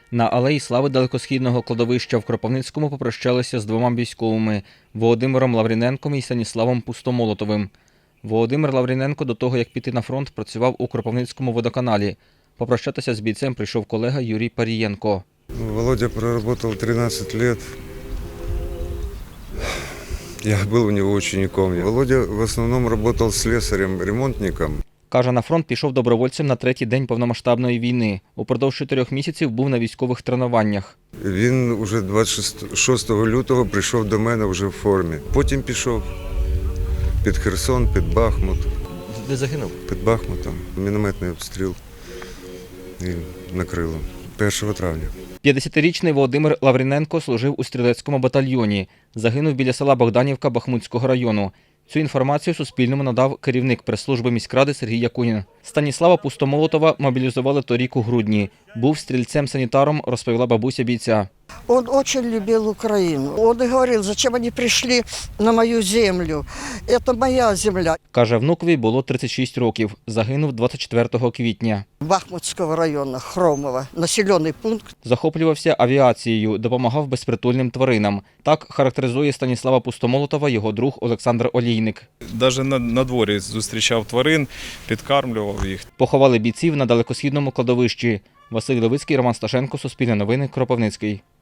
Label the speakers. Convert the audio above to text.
Speaker 1: На Алеї Слави далекосхідного кладовища в Кропивницькому попрощалися з двома військовими – Володимиром Лавріненком і Станіславом Пустомолотовим. Володимир Лавріненко до того, як піти на фронт, працював у Кропивницькому водоканалі. Попрощатися з бійцем прийшов колега Юрій Парієнко.
Speaker 2: Володя проработал 13 лет. Я был у него учеником. Володя в основном работал слесарем, ремонтником.
Speaker 1: Каже, на фронт пішов добровольцем на третій день повномасштабної війни. Упродовж 4 місяців був на військових тренуваннях.
Speaker 2: Він уже 26 лютого прийшов до мене вже в формі. Потім пішов під Херсон, під Бахмут.
Speaker 1: Де загинув?
Speaker 2: Під Бахмутом. Мінометний обстріл і накрило. 1 травня.
Speaker 1: 50-річний Володимир Лавріненко служив у стрілецькому батальйоні. Загинув біля села Богданівка Бахмутського району. Цю інформацію Суспільному надав керівник прес-служби міськради Сергій Якунін. Станіслава Пустомолотова мобілізували торік у грудні. Був стрільцем-санітаром, розповіла бабуся бійця.
Speaker 3: Он очень любил Украину. Он и говорил, зачем они пришли на мою землю. Это моя земля.
Speaker 1: Каже, внукові було 36 років. Загинув 24 квітня.
Speaker 3: Бахмутского района, Хромова, населенный пункт.
Speaker 1: Захоплювався авіацією, допомагав безпритульним тваринам. Так характеризує Станіслава Пустомолотова його друг Олександр Олійник.
Speaker 4: Навіть на дворі зустрічав тварин, підкармлював їх.
Speaker 1: Поховали бійців на далекосхідному кладовищі. Василь Левицький, Роман Сташенко, Суспільне новини, Кропивницький.